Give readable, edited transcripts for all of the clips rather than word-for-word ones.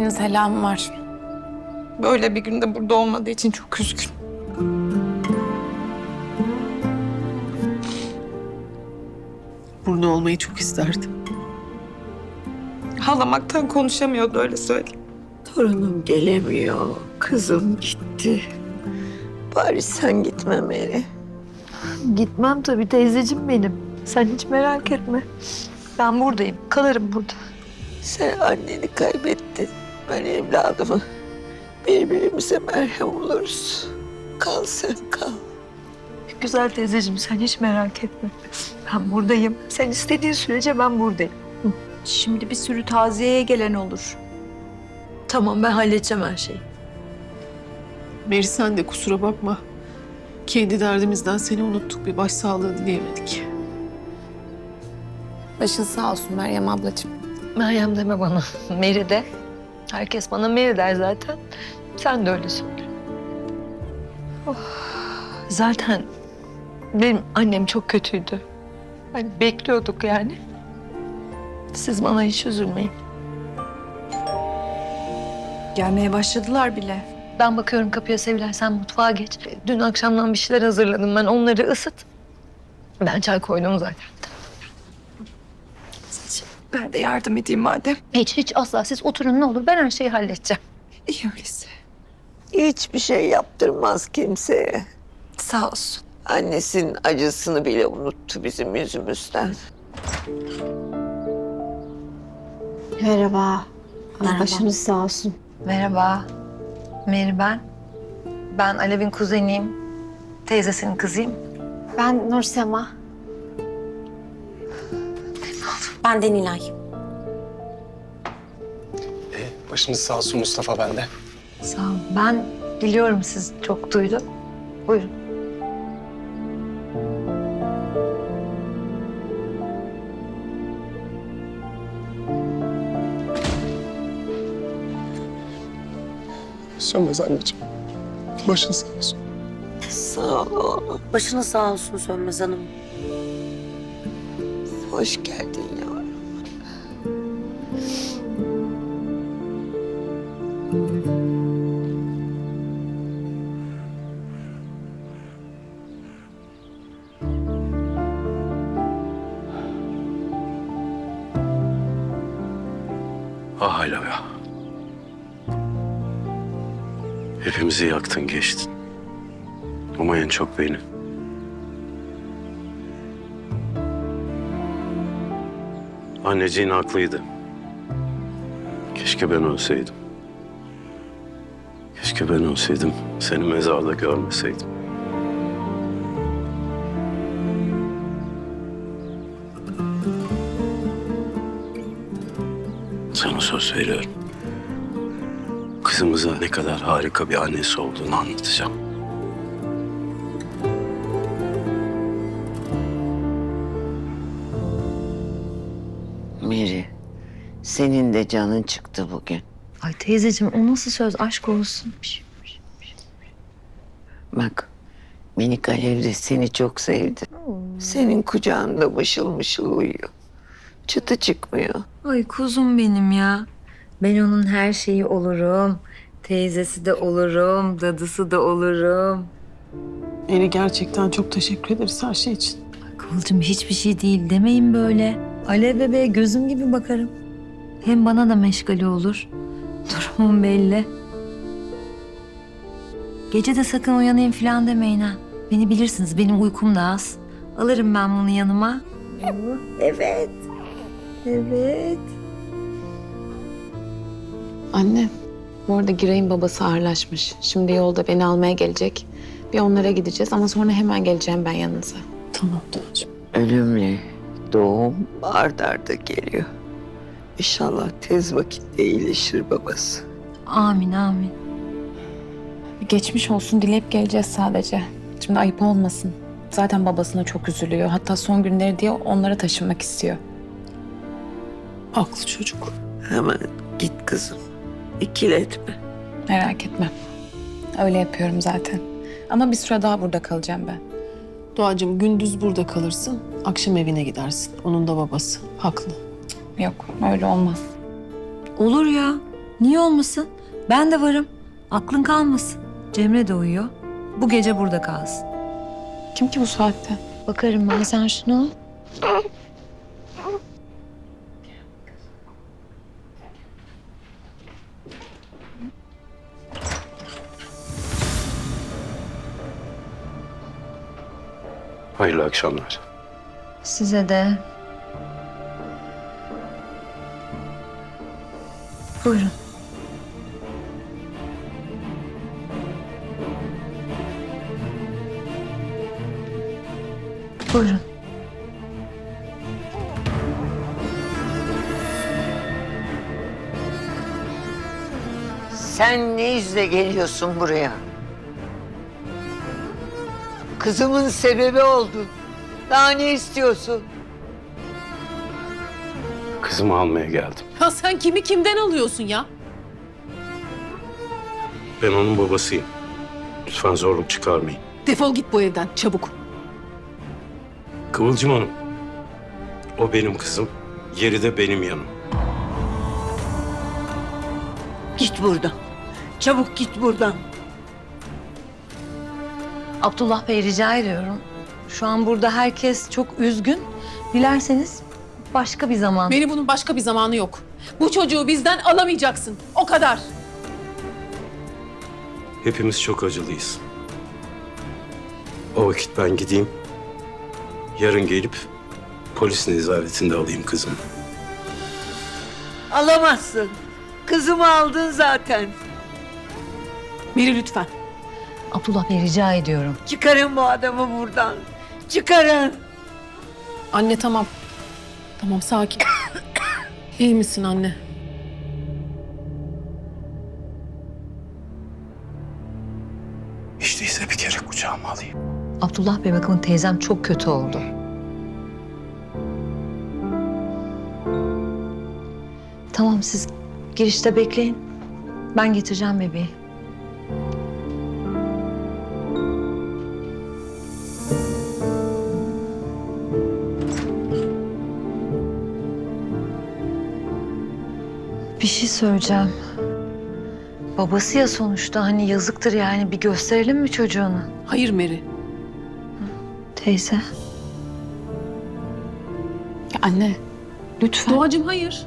selamı var. Böyle bir günde burada olmadığı için çok üzgün. Burada olmayı çok isterdim. Ağlamaktan konuşamıyordu, öyle söyleyeyim. Torunum gelemiyor, kızım gitti. Bari sen gitme Meri. Gitmem tabii teyzeciğim benim. Sen hiç merak etme. Ben buradayım. Kalırım burada. Sen anneni kaybettin, ben evladımı. Birbirimize merhem oluruz. Kal sen kal. Güzel teyzeciğim sen hiç merak etme. Ben buradayım. Sen istediğin sürece ben buradayım. Şimdi bir sürü taziyeye gelen olur. Tamam ben halledeceğim her şeyi. Meri sen de kusura bakma. Kendi derdimizden seni unuttuk. Bir başsağlığı dileyemedik. Başın sağ olsun Meryem ablacığım. Meryem deme bana. Meri de. Herkes bana Meri der zaten. Sen de öyle söyle. Oh. Zaten benim annem çok kötüydü. Hani bekliyorduk yani. Siz bana hiç üzülmeyin. Gelmeye başladılar bile. Ben bakıyorum kapıya Sevilay, sen mutfağa geç. Dün akşamdan bir şeyler hazırladım ben, onları ısıt. Ben çay koydum zaten. Ben de yardım edeyim madem. Hiç asla siz oturun ne olur, ben her şeyi halledeceğim. İyi öyleyse. Hiçbir şey yaptırmaz kimseye. Sağ olsun. Annesinin acısını bile unuttu bizim yüzümüzden. Merhaba. Merhaba. Başınız sağ olsun. Merhaba, Meri ben. Ben Alev'in kuzeniyim, teyzesinin kızıyım. Ben Nursema. Ben de Nilay. Başınız sağ olsun Mustafa bende. Sağ ol. Ben biliyorum siz çok duydum. Buyurun. Sönmez anneciğim. Başın sağ olsun. Sağ ol oğlum. Başınız sağ olsun Sönmez Hanım. Hoş geldin yavrum. Ah hala ya. Hepimizi yaktın geçtin. Ama en çok beni. Anneciğin haklıydı. Keşke ben ölseydim. Keşke ben ölseydim, seni mezarda görmeseydim. Sana söz veriyorum. Kızımıza ne kadar harika bir annesi olduğunu anlatacağım. Meri, senin de canın çıktı bugün. Ay teyzeciğim o nasıl söz, aşk olsun. Bak, minik Alev de seni çok sevdi. Senin kucağında mışıl mışıl uyuyor. Çıtı çıkmıyor. Ay kuzum benim ya. Ben onun her şeyi olurum. Teyzesi de olurum, dadısı da olurum. Meri gerçekten çok teşekkür ederiz her şey için. Kıvılcım hiçbir şey değil demeyin böyle. Alev bebeğe gözüm gibi bakarım. Hem bana da meşgale olur. Durumum belli. Gece de sakın uyanayım falan demeyin ha. Beni bilirsiniz, benim uykum da az. Alırım ben bunu yanıma. Evet. Evet. Anne, bu arada Giray'ın babası ağırlaşmış. Şimdi yolda beni almaya gelecek. Bir onlara gideceğiz ama sonra hemen geleceğim ben yanınıza. Tamam Doğacığım. Ölümle doğum ard arda geliyor. İnşallah tez vakitte iyileşir babası. Amin amin. Bir geçmiş olsun dileyip geleceğiz sadece. Şimdi ayıp olmasın. Zaten babasına çok üzülüyor. Hatta son günleri diye onlara taşınmak istiyor. Haklı çocuk. Hemen git kızım. İkiletme. Merak etme. Öyle yapıyorum zaten. Ama bir süre daha burada kalacağım ben. Doğacığım gündüz burada kalırsın. Akşam evine gidersin. Onun da babası. Haklı. Yok, öyle olmaz. Olur ya. Niye olmasın? Ben de varım. Aklın kalmasın. Cemre de uyuyor. Bu gece burada kalsın. Kim ki bu saatte? Bakarım ben, sen şunu al. Hayırlı akşamlar. Size de. Buyurun. Buyurun. Sen ne yüzle geliyorsun buraya? Kızımın sebebi oldun. Daha ne istiyorsun? Kızımı almaya geldim. Ya sen kimi kimden alıyorsun ya? Ben onun babasıyım. Lütfen zorluk çıkarmayın. Defol git bu evden çabuk. Kıvılcım Hanım. O benim kızım. Yeri de benim yanım. Git buradan. Çabuk git buradan. Abdullah Bey, rica ediyorum. Şu an burada herkes çok üzgün. Dilerseniz başka bir zaman. Beni bunun başka bir zamanı yok. Bu çocuğu bizden alamayacaksın. O kadar. Hepimiz çok acılıyız. O vakit ben gideyim. Yarın gelip polis nezaretinde alayım kızımı. Alamazsın. Kızımı aldın zaten. Meri lütfen. Abdullah Bey, rica ediyorum. Çıkarın bu adamı buradan. Çıkarın. Anne tamam. Tamam sakin. İyi misin anne? Hiç değilse bir kere kucağıma alayım. Abdullah Bey, bakın teyzem çok kötü oldu. Tamam, siz girişte bekleyin. Ben getireceğim bebeği. Bir şey söyleyeceğim. Babası ya sonuçta, hani yazıktır yani, bir gösterelim mi çocuğunu? Hayır Meri. Teyze. Ya anne, lütfen. Doğacığım hayır.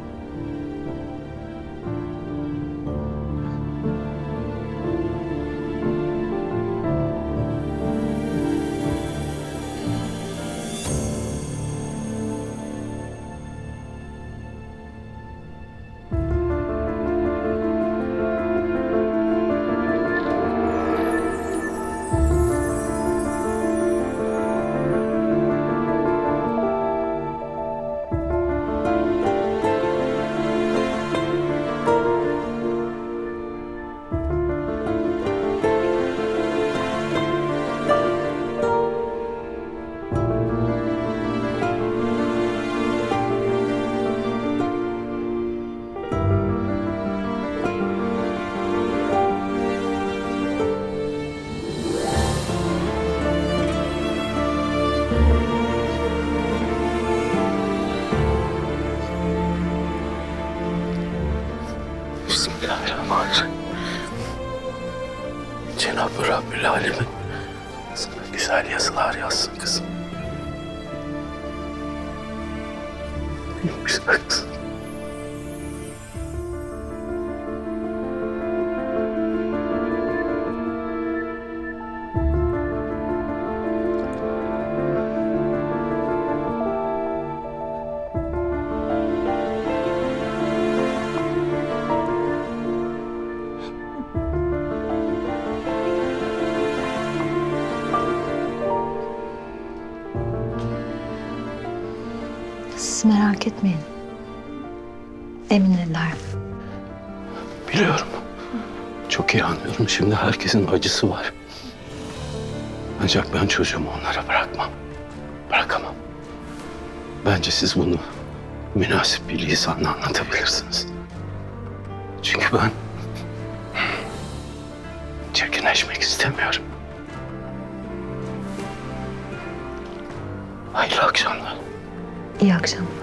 Bismillahirrahmanirrahim. Cenab-ı Rabbül Alemin sana güzel yazılar yazsın kızım. Güzel kızım. Siz merak etmeyin. Eminler. Biliyorum. Çok iyi anlıyorum. Şimdi herkesin acısı var. Ancak ben çocuğumu onlara bırakmam. Bırakamam. Bence siz bunu münasip bir lisanla anlatabilirsiniz. Çünkü ben çirkinleşmek istemiyorum. Hayırlı akşamlar. İyi akşamlar.